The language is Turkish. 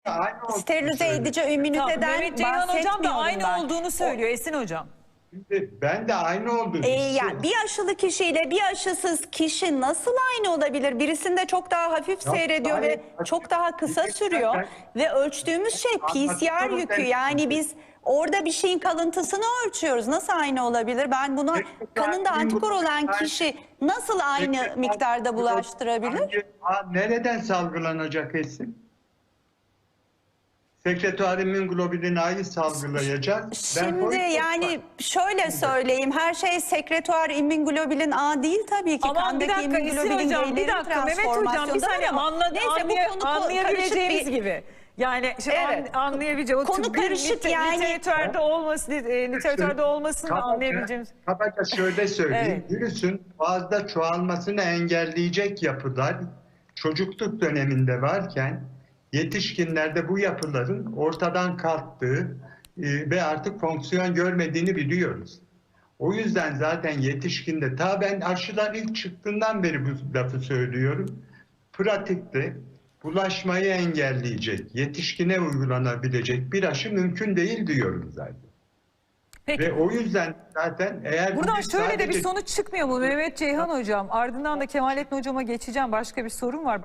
Aynı olduğunu sterilize söylüyor. edici Tamam, ümüniteden Mehmet Ceyhan hocam da bahsetmiyorum aynı ben. olduğunu söylüyor Esin hocam. Şimdi ben de aynı olduğunu Yani bir aşılı kişiyle bir aşısız kişi nasıl aynı olabilir? Birisinde çok daha hafif Ya, seyrediyor hayır, ve çok daha kısa ben- sürüyor. Ve ölçtüğümüz şey PCR Anlatıyorum yükü. ben Yani size. biz orada bir şeyin kalıntısını ölçüyoruz. Nasıl aynı olabilir? Ben buna kanında antikor olan kişi nasıl aynı miktarda bulaştırabilir? Nereden salgılanacak Esin? Sekreter immünoglobulin A'yı salgılayacak. Şimdi yani şöyle söyleyeyim, her şey sekreter immünoglobulin A değil tabii ki. Aman bir Kandaki dakika Esin immünoglobulin hocam, bir G'lerin dakika Mehmet hocam, bir transformasyonunda saniye ama neyse bu konu anlayabileceğimiz karışık bir... gibi. Yani şimdi Evet. anlayabileceğimiz Konu karışık yani. literatürde olması, literatürde olmasını da anlayabileceğimiz. Kabaca şöyle söyleyeyim. Evet. Virüsün fazla çoğalmasını engelleyecek yapılar çocukluk döneminde varken yetişkinlerde bu yapıların ortadan kalktığı ve artık fonksiyon görmediğini biliyoruz. O yüzden zaten yetişkinde, ben aşılar ilk çıktığından beri bu lafı söylüyorum. Pratikte bulaşmayı engelleyecek, yetişkine uygulanabilecek bir aşı mümkün değil diyorum zaten. Peki. Ve o yüzden zaten eğer... Buradan şöyle de bir sadece- sonuç çıkmıyor mu Mehmet Ceyhan hocam? Ardından da Kemalettin hocama geçeceğim. Başka bir sorun var.